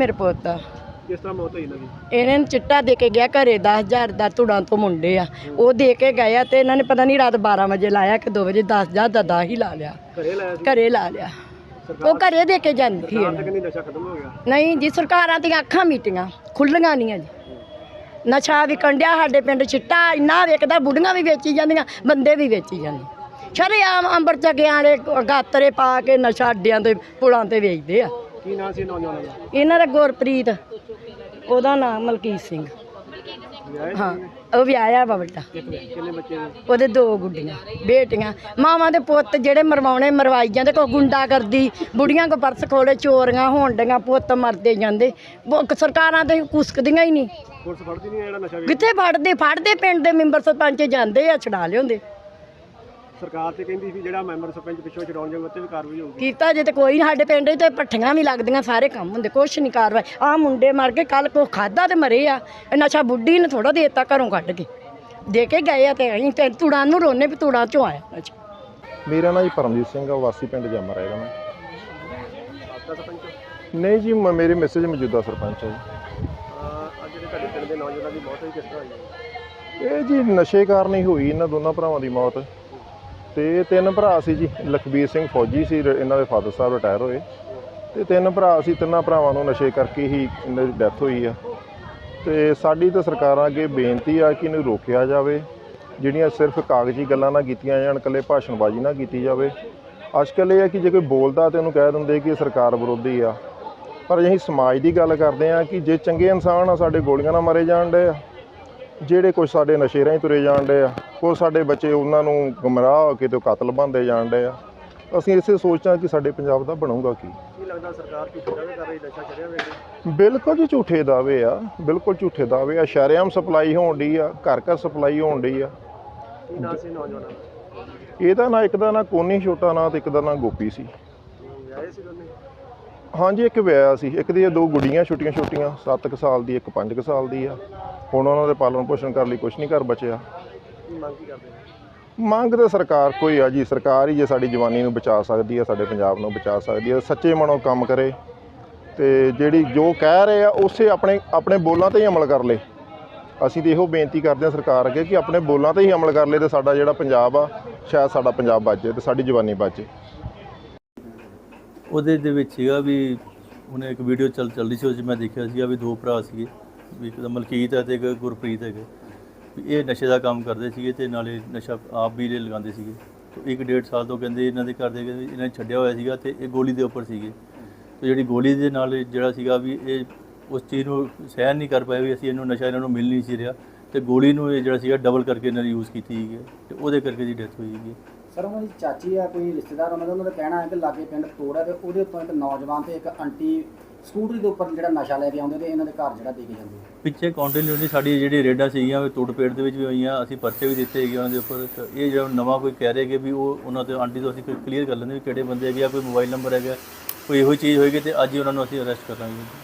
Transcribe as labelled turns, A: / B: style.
A: ਮੇਰੇ ਪੁੱਤ ਦਾ।
B: ਕਿਸ ਤਰ੍ਹਾਂ ਮੌਤ ਹੋਈ ਇਹਨਾਂ ਦੀ?
A: ਇਹਨਾਂ ਨੇ ਚਿੱਟਾ ਦੇ ਕੇ ਗਿਆ ਘਰੇ 10,000 ਦਾ ਧੁੜਾਂ ਤੋਂ ਮੁੰਡੇ ਆ, ਉਹ ਦੇ ਕੇ ਗਏ ਆ ਤੇ ਇਹਨਾਂ ਨੇ ਪਤਾ ਨਹੀਂ ਰਾਤ 12 ਵਜੇ ਲਾਇਆ ਕਿ 2 ਵਜੇ 10,000 ਦਾ 10 ਹੀ ਲਾ ਲਿਆ।
B: ਘਰੇ ਲਾਇਆ ਸੀ?
A: ਘਰੇ ਲਾ ਲਿਆ, ਉਹ ਘਰੇ ਦੇ ਕੇ ਜਾਂਦੀ ਸੀ।
B: ਸਰਕਾਰ ਕਹਿੰਦੀ ਨਸ਼ਾ ਖਤਮ ਹੋ ਗਿਆ।
A: ਨਹੀਂ ਜੀ, ਸਰਕਾਰਾਂ ਦੀਆਂ ਅੱਖਾਂ ਮੀਟੀਆਂ ਖੁੱਲੀਆਂ ਨਹੀਂ ਜੀ। ਨਸ਼ਾ ਵਿਕਣ ਡਿਆ ਸਾਡੇ ਪਿੰਡ, ਚਿੱਟਾ ਇੰਨਾ ਵਿਕਦਾ, ਬੁੱਢੀਆਂ ਵੀ ਵੇਚੀ ਜਾਂਦੀਆਂ, ਬੰਦੇ ਵੀ ਵੇਚੀ ਜਾਂਦੇ। ਸ਼ਰੇਆਮ ਅੰਬਰ ਚੱਕਿਆਂ ਵਾਲੇ ਗਾਤਰੇ ਪਾ ਕੇ ਨਸ਼ਾ ਅੱਡਿਆਂ ਤੇ ਪੁਲਾਂ ਤੇ ਵੇਚਦੇ ਆ।
B: ਕੀ ਨਾਂ ਸੀ ਨੌਜਵਾਨਾਂ ਦਾ?
A: ਇਹਨਾਂ ਦਾ ਗੁਰਪ੍ਰੀਤ, ਉਹਦਾ ਨਾਮ ਮਲਕੀਤ ਸਿੰਘ। ਹਾਂ, ਉਹ ਵਿਆਹਿਆ ਵਾ ਵੱਡਾ।
B: ਕਿੰਨੇ ਬੱਚੇ ਨੇ?
A: ਉਹਦੇ 2 ਗੁੱਡੀਆਂ ਬੇਟੀਆਂ। ਮਾਵਾਂ ਦੇ ਪੁੱਤ ਜਿਹੜੇ ਮਰਵਾਉਣੇ ਮਰਵਾਈ ਜਾਂਦੇ, ਕੋਈ ਗੁੰਡਾ ਕਰਦੀ, ਬੁੜੀਆਂ ਕੋ ਪਰਸ ਖੋਲੇ, ਚੋਰੀਆਂ ਹੋਣ ਡੀਆਂ, ਪੁੱਤ ਮਰਦੇ ਜਾਂਦੇ। ਸਰਕਾਰਾਂ ਤੇ ਕੁਸਕਦੀਆਂ ਹੀ ਨਹੀਂ।
B: ਪੁਲਿਸ ਫੜਦੀ ਨਹੀਂ ਜਿਹੜਾ ਨਸ਼ਾ
A: ਕਿੱਥੇ ਫੜਦੇ ਪਿੰਡ ਦੇ ਮੈਂਬਰ ਸਰਪੰਚ ਜਾਂਦੇ ਆ, ਛਡਾ ਲਿਆਉਂਦੇ।
B: ਸਰਕਾਰ ਤੇ ਕਹਿੰਦੀ ਸੀ ਜਿਹੜਾ ਮੈਂਬਰ ਸਰਪੰਚ ਪਿੱਛੋਂ ਛਡਾਉਣ ਜਾਊਗਾ ਉੱਤੇ ਵੀ ਕਾਰਵਾਈ ਹੋਊਗੀ।
A: ਕੀਤਾ ਜੇ ਤੇ ਕੋਈ ਨਹੀਂ, ਸਾਡੇ ਪਿੰਡ 'ਚ ਤੇ ਭੱਠੀਆਂ ਵੀ ਲੱਗਦੀਆਂ, ਸਾਰੇ ਕੰਮ ਹੁੰਦੇ, ਕੁਛ ਨਹੀਂ ਕਾਰਵਾਈ। ਆਹ ਮੁੰਡੇ ਮਰ ਕੇ, ਕੱਲ ਕੋ ਖਾਦਾ ਤੇ ਮਰੇ ਆ। ਇਹ ਨਸ਼ਾ ਬੁੱਢੀ ਨੇ ਥੋੜਾ ਦੇਤਾ, ਘਰੋਂ ਕੱਢ ਕੇ ਦੇ ਕੇ ਗਏ ਆ ਤੇ ਅਸੀਂ ਤੇ ਤੁੜਾਂ ਨੂੰ ਰੋਨੇ ਵੀ ਤੁੜਾਂ 'ਚੋਂ ਆਇਆ ਨਸ਼ਾ।
C: ਮੇਰਾ ਨਾਂ ਜੀ ਪਰਮਜੀਤ ਸਿੰਘ ਆ, ਵਾਸੀ ਪਿੰਡ ਜਮਰਾ ਹੈਗਾ ਮੈਂ।
B: ਸਾਬਕਾ ਸਰਪੰਚ?
C: ਨਹੀਂ ਜੀ, ਮੇਰੇ ਮੈਸੇਜ ਮੌਜੂਦਾ ਸਰਪੰਚ ਹੈ ਜੀ।
B: ਅੱਜ ਜਿਹੜੇ ਤੁਹਾਡੇ ਪਿੰਡ ਦੇ ਨੌਜਵਾਨਾਂ ਦੀ ਮੌਤ ਹੋਈ, ਕਿਸ ਤਰ੍ਹਾਂ ਹੋਈ?
C: ਇਹ ਜੀ ਨਸ਼ੇ ਕਾਰਨ ਹੀ ਹੋਈ ਇਹਨਾਂ ਦੋਨਾਂ ਭਰਾਵਾਂ ਦੀ ਮੌਤ। ਤੇ 3 ਭਰਾ ਸੀ ਜੀ। ਲਖਬੀਰ ਸਿੰਘ ਫੌਜੀ ਸੀ, ਇਹਨਾਂ ਦੇ ਫਾਦਰ ਸਾਹਿਬ ਰਿਟਾਇਰ ਹੋਏ, ਤੇ 3 ਭਰਾ ਸੀ। 3 ਭਰਾਵਾਂ ਨੂੰ ਨਸ਼ੇ ਕਰਕੇ ਹੀ ਇਹਨਾਂ ਦੀ ਡੈਥ ਹੋਈ ਆ। ਤੇ ਸਾਡੀ ਤਾਂ ਸਰਕਾਰਾਂ ਅੱਗੇ ਬੇਨਤੀ ਆ ਕਿ ਇਹਨੂੰ ਰੋਕਿਆ ਜਾਵੇ, ਜਿਹੜੀਆਂ ਸਿਰਫ ਕਾਗਜ਼ੀ ਗੱਲਾਂ ਨਾ ਕੀਤੀਆਂ ਜਾਣ, ਇਕੱਲੇ ਭਾਸ਼ਣਬਾਜ਼ੀ ਨਾ ਕੀਤੀ ਜਾਵੇ। ਅੱਜ ਕੱਲ੍ਹ ਇਹ ਆ ਕਿ ਜੇ ਕੋਈ ਬੋਲਦਾ ਤਾਂ ਉਹਨੂੰ ਕਹਿ ਦਿੰਦੇ ਕਿ ਸਰਕਾਰ ਵਿਰੋਧੀ ਆ, ਪਰ ਅਸੀਂ ਸਮਾਜ ਦੀ ਗੱਲ ਕਰਦੇ ਹਾਂ ਕਿ ਜੇ ਚੰਗੇ ਇਨਸਾਨ ਆ, ਸਾਡੇ ਗੋਲੀਆਂ ਨਾਲ ਮਾਰੇ ਜਾਣ ਡੇ ਆ, ਜਿਹੜੇ ਕੁਛ ਸਾਡੇ ਨਸ਼ੇ ਰਾਹੀਂ ਤੁਰੇ ਜਾਣ ਡੇ ਆ, ਕੁਛ ਸਾਡੇ ਬੱਚੇ ਉਹਨਾਂ ਨੂੰ ਗੁੰਮਰਾਹ ਹੋ ਕੇ ਤੇ ਕਾਤਲ ਬਣਦੇ ਜਾਣ ਡੇ ਆ। ਅਸੀਂ ਇਸੇ ਸੋਚਾਂ ਕਿ ਸਾਡੇ ਪੰਜਾਬ ਦਾ ਬਣੂਗਾ ਕੀ
B: ਲੱਗਦਾ ਸਰਕਾਰ ਝੂਠੇ ਦਾਅਵੇ ਕਰ ਰਹੀ, ਨਸ਼ਾ ਛੱਡਿਆ ਵੇਲੇ?
C: ਬਿਲਕੁਲ ਜੀ ਝੂਠੇ ਦਾਅਵੇ ਆ, ਬਿਲਕੁਲ ਝੂਠੇ ਦਾਅਵੇ ਆ। ਸ਼ਰੇਆਮ ਸਪਲਾਈ ਹੋਣ ਡਈ ਆ, ਘਰ ਘਰ ਸਪਲਾਈ ਹੋਣ ਡਈ ਆ।
B: ਕੀ ਨਾਂ ਸੀ ਨੌਜਵਾਨਾਂ ਦਾ?
C: ਇਹਦਾ ਨਾਂ, ਇੱਕ ਦਾ ਨਾਂ ਕੋਨੀ ਛੋਟਾ ਨਾਂ ਤੇ ਇੱਕ ਦਾ ਨਾਂ ਗੋਪੀ ਸੀ।
B: ਵਿਆਹੇ ਸੀ ਦੋਨੇ?
C: ਹਾਂਜੀ, ਇੱਕ ਵਿਆਹਿਆ ਸੀ, ਇੱਕ ਦੀਆਂ 2 ਗੁੱਡੀਆਂ ਛੋਟੀਆਂ 7 ਕੁ ਸਾਲ ਦੀ, ਇੱਕ 5 ਕੁ ਸਾਲ ਦੀ ਆ। ਹੁਣ ਉਹਨਾਂ ਦੇ ਪਾਲਣ ਪੋਸ਼ਣ ਕਰਨ ਲਈ ਕੁਛ ਨਹੀਂ ਘਰ ਬਚਿਆ।
B: ਕੀ ਮੰਗ ਕੀ ਕਰਦੇ ਨੇ?
C: ਮੰਗ ਤਾਂ ਸਰਕਾਰ ਕੋਈ ਆ ਜੀ, ਸਰਕਾਰ ਹੀ ਜੇ ਸਾਡੀ ਜਵਾਨੀ ਨੂੰ ਬਚਾ ਸਕਦੀ ਹੈ, ਸਾਡੇ ਪੰਜਾਬ ਨੂੰ ਬਚਾ ਸਕਦੀ ਹੈ, ਸੱਚੇ ਮਨੋਂ ਕੰਮ ਕਰੇ ਤੇ ਜਿਹੜੀ ਜੋ ਕਹਿ ਰਹੇ ਆ ਉਸੇ ਆਪਣੇ ਬੋਲਾਂ 'ਤੇ ਹੀ ਅਮਲ ਕਰ ਲੇ। ਅਸੀਂ ਤਾਂ ਇਹੋ ਬੇਨਤੀ ਕਰਦੇ ਹਾਂ ਸਰਕਾਰ ਅੱਗੇ ਕਿ ਆਪਣੇ ਬੋਲਾਂ 'ਤੇ ਹੀ ਅਮਲ ਕਰ ਲੇ ਤੇ ਸਾਡਾ ਜਿਹੜਾ ਪੰਜਾਬ ਆ, ਸ਼ਾਇਦ ਸਾਡਾ ਪੰਜਾਬ ਬਚ ਜਾਏ ਤੇ ਸਾਡੀ ਜਵਾਨੀ ਬਚ ਜਾਏ।
D: ਉਹਦੇ ਦੇ ਵਿੱਚ ਸੀਗਾ ਵੀ ਉਹਨੇ ਇੱਕ ਵੀਡੀਓ ਚੱਲਦੀ ਸੀ, ਉਹ 'ਚ ਮੈਂ ਦੇਖਿਆ ਸੀਗਾ ਵੀ 2 ਭਰਾ ਸੀਗੇ, ਵੀ ਇੱਕ ਤਾਂ ਮਲਕੀਤ ਹੈ ਤੇ ਇੱਕ ਗੁਰਪ੍ਰੀਤ ਹੈਗੇ, ਵੀ ਇਹ ਨਸ਼ੇ ਦਾ ਕੰਮ ਕਰਦੇ ਸੀਗੇ ਤੇ ਨਾਲੇ ਨਸ਼ਾ ਆਪ ਵੀ ਲਗਾਉਂਦੇ ਸੀਗੇ। ਤੇ 1.5 ਸਾਲ ਤੋਂ ਕਹਿੰਦੇ ਇਹਨਾਂ ਦੇ ਘਰ ਦੇ ਕਹਿੰਦੇ ਇਹਨਾਂ ਨੇ ਛੱਡਿਆ ਹੋਇਆ ਸੀਗਾ ਤੇ ਇਹ ਗੋਲੀ ਦੇ ਉੱਪਰ ਸੀਗੇ। ਤੇ ਜਿਹੜੀ ਗੋਲੀ ਦੇ ਨਾਲ ਜਿਹੜਾ ਸੀਗਾ ਵੀ ਇਹ ਉਸ ਚੀਜ਼ ਨੂੰ ਸਹਿਣ ਨਹੀਂ ਕਰ ਪਾਏ ਵੀ ਅਸੀਂ ਇਹਨੂੰ ਨਸ਼ਾ ਇਹਨਾਂ ਨੂੰ ਮਿਲ ਨਹੀਂ ਸੀ ਰਿਹਾ, ਤੇ ਗੋਲੀ ਨੂੰ ਇਹ ਜਿਹੜਾ ਸੀਗਾ ਡਬਲ ਕਰਕੇ ਇਹਨਾਂ ਨੇ ਯੂਜ਼ ਕੀਤੀ ਸੀਗੀ ਤੇ ਉਹਦੇ ਕਰਕੇ ਦੀ ਡੈਥ ਹੋਈ ਸੀਗੀ।
E: ਸਰ, ਉਹਨਾਂ ਦੀ ਚਾਚੀ ਆ, ਕੋਈ ਰਿਸ਼ਤੇਦਾਰ ਉਹਨਾਂ ਦਾ ਕਹਿਣਾ ਹੈ ਕਿ ਲਾਗੇ ਪਿੰਡ ਤੋੜ ਹੈ ਤੇ ਉਹਦੇ ਉੱਪਰ ਇੱਕ ਨੌਜਵਾਨ ਤੇ ਇੱਕ ਆਂਟੀ ਸਕੂਟਰੀ ਦੇ ਉੱਪਰ ਜਿਹੜਾ ਨਸ਼ਾ ਲੈ ਕੇ ਆਉਂਦੇ ਤੇ ਇਹਨਾਂ ਦੇ ਘਰ ਜਿਹੜਾ ਦੇ ਕੇ ਜਾਂਦੇ।
D: ਪਿੱਛੇ ਕੰਟੀਨਿਊਟੀ ਸਾਡੀ ਜਿਹੜੀ ਰੇਡਾਂ ਸੀਗੀਆਂ ਤੋੜਪੇੜ ਦੇ ਵਿੱਚ ਵੀ ਹੋਈਆਂ, ਅਸੀਂ ਪਰਚੇ ਵੀ ਦਿੱਤੇ ਹੈਗੇ ਉਹਨਾਂ ਦੇ ਉੱਪਰ। ਇਹ ਜਿਹੜਾ ਨਵਾਂ ਕੋਈ ਕਹਿ ਰਹੇ ਕਿ ਵੀ ਉਹ ਉਹਨਾਂ ਤੇ ਆਂਟੀ ਤੋਂ ਅਸੀਂ ਕਲੀਅਰ ਕਰ ਲੈਂਦੇ ਵੀ ਕਿਹੜੇ ਬੰਦੇ ਹੈਗੇ ਆ, ਕੋਈ ਮੋਬਾਈਲ ਨੰਬਰ ਹੈਗਾ, ਕੋਈ ਇਹੋ ਚੀਜ਼ ਹੋਏਗੀ ਤੇ ਅੱਜ ਹੀ ਉਹਨਾਂ ਨੂੰ ਅਸੀਂ ਅਰੈਸਟ ਕਰਾਂਗੇ।